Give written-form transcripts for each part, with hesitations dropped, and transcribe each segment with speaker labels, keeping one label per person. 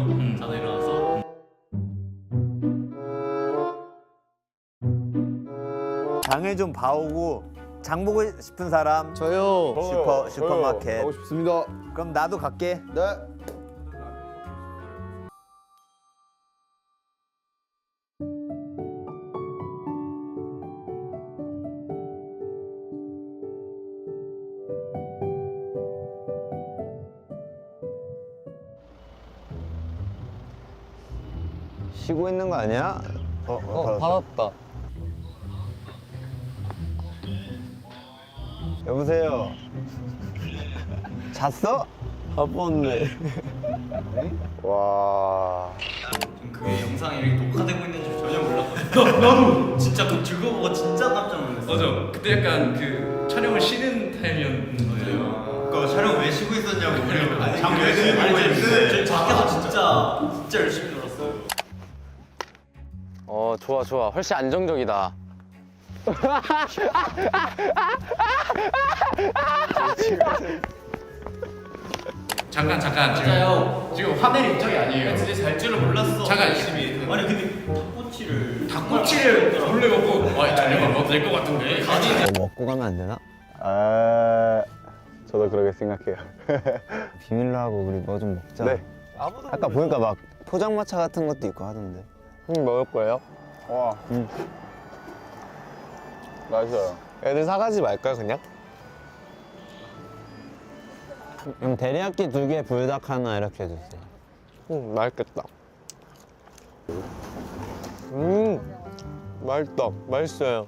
Speaker 1: 자다 일어나서
Speaker 2: 장을 좀 봐오고 장 보고 싶은 사람
Speaker 3: 저요.
Speaker 2: 슈퍼마켓.
Speaker 3: 가고 싶습니다.
Speaker 2: 그럼 나도 갈게.
Speaker 3: 네.
Speaker 2: 쉬고 있는 거 아니야?
Speaker 3: 받았다.
Speaker 2: 여보세요. 잤어?
Speaker 3: 바빴네.
Speaker 2: 와.
Speaker 1: 그게 영상이 이렇게 녹화되고 있는 줄 전혀 몰랐거든. 나도 진짜 그 즐거워가 진짜 깜짝 놀랐어.
Speaker 4: 맞아. 그때 약간 그 촬영을 쉬는 타임이었는 거예요.
Speaker 1: 그 촬영 왜 쉬고 있었냐고 우리 장왜
Speaker 4: 네,
Speaker 1: 쉬고
Speaker 4: 네,
Speaker 1: 있는데 저희 밖에서 진짜 열심히 놀았어요.
Speaker 3: 좋아. 훨씬 안정적이다.
Speaker 4: 잠깐
Speaker 1: 맞아요.
Speaker 4: 지금 화낼 입장이 아니에요.
Speaker 1: 진짜 잘 줄을 몰랐어.
Speaker 4: 잠깐.
Speaker 1: 열심히. 아니 근데
Speaker 4: 닭꼬치를 몰래 먹고 저녁 안 먹어도 될 것 같은데.
Speaker 2: 뭐 먹고 가면 안 되나?
Speaker 3: 아, 저도 그렇게 생각해요.
Speaker 2: 비밀로 하고 우리 뭐 좀 먹자.
Speaker 3: 네.
Speaker 2: 아까 보니까 막 포장마차 같은 것도 있고 하던데.
Speaker 3: 먹을 거예요? 와. 맛있어요. 애들 사가지 말까요, 그냥?
Speaker 2: 그럼 데리야끼 2개, 불닭 하나 이렇게 해주세요.
Speaker 3: 맛있겠다. 맛있다. 맛있어요.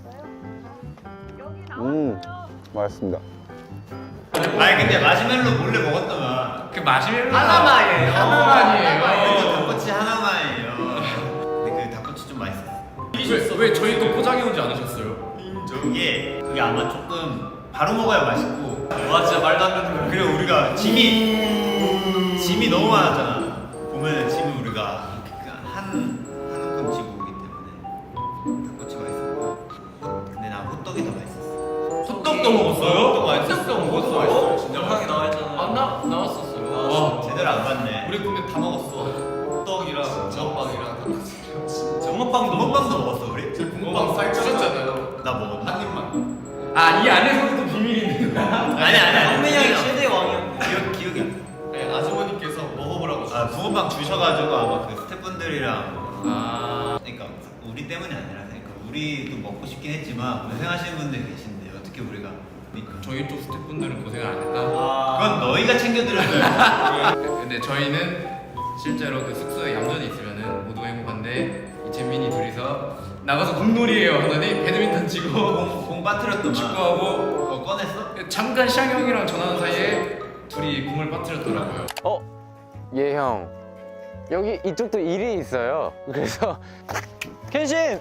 Speaker 3: 맛있습니다.
Speaker 1: 아니 근데 마시멜로 몰래 먹었더만.
Speaker 4: 그 마시멜로
Speaker 1: 하나만이에요.
Speaker 4: 하나만이에요.
Speaker 1: 닭꼬치 하나만이에요. 근데 그 닭꼬치 좀 맛있었어.
Speaker 4: 왜 저희 또 포장해 오지 않으셨어요?
Speaker 1: 그게 아마 조금 바로 먹어야 맛있고. 와 진짜 말도 안 되는 거야. 그리고 우리가 짐이 너무 많았잖아. 보면 짐을 우리가 한 움큼 지고 오기 때문에 닭꼬치가 맛있었고. 근데 난 호떡이 더 맛있었어.
Speaker 4: 호떡도 먹었어요?
Speaker 1: 호떡 맛있었어.
Speaker 4: 호떡도 맛있어요. 진짜
Speaker 1: 영상이 나와 있잖아.
Speaker 4: 나왔었어요.
Speaker 1: 와 제대로 안 봤네.
Speaker 4: 우리 근데 다 먹었어. 호떡이랑 붕어빵이랑 닭꼬치랑 진짜.
Speaker 1: 붕어빵도 먹었어 우리?
Speaker 4: 붕어빵 살 찌셨잖아요.
Speaker 1: 나 먹었나?
Speaker 4: 한 입만. 이 안에서도 비밀이 있는 거야?
Speaker 1: 아니 성민이 형이 최대 왕이야. 기억이 안 나.
Speaker 4: 네, 아주머니께서 먹어보라고.
Speaker 1: 아 붕어빵 주셔가지고 아마 그 스태프분들이랑 그러니까 우리 때문이 아니라 그러니까 우리도 먹고 싶긴 했지만 고생하시는 분들이 계신데 어떻게 우리가 그러니까
Speaker 4: 저희 쪽 스태프분들은 고생을 안 했다.
Speaker 1: 그건 너희가 챙겨드려야
Speaker 4: 근데 저희는 실제로 그 숙소에 얌전히 있으면은 모두가 행복한데 이채민이 둘이서 나가서 공놀이해요 하더니 배드민턴 치고
Speaker 1: 공 빠뜨렸더만
Speaker 4: 축구하고
Speaker 1: 그거 꺼냈어?
Speaker 4: 잠깐 샹 형이랑 전화하는 사이에 둘이 공을 빠뜨렸더라고요.
Speaker 3: 예, 형. 여기 이쪽도 일이 있어요. 그래서 켄신!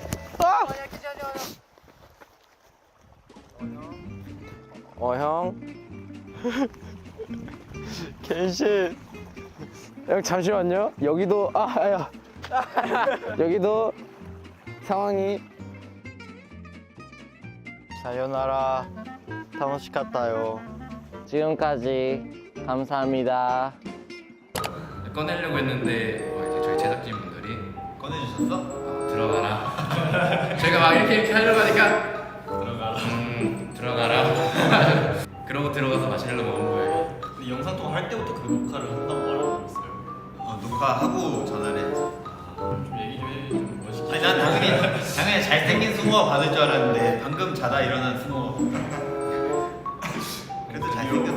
Speaker 3: 형. 켄신. 형 잠시만요. 여기도 여기도 상황이 사요나라 타노시카타요. 지금까지 감사합니다.
Speaker 4: 꺼내려고 했는데 이제 저희 제작진분들이
Speaker 1: 꺼내주셨어?
Speaker 4: 들어가라. 저희가 막 이렇게 하려고 하니까 들어가라. 그러고 들어가서 마시멜로 먹은 거예요.
Speaker 1: 근데 영상 통화 할 때부터 그 녹화를 한다고 말하고 있어요. 녹화하고 전화를 했지.
Speaker 4: 좀 얘기 좀 해. 좀 멋있게.
Speaker 1: 아니 난 당연히 잘생긴 승호가 받을 줄 알았는데 방금 자다 일어난 승호가 그래도 잘생겼어.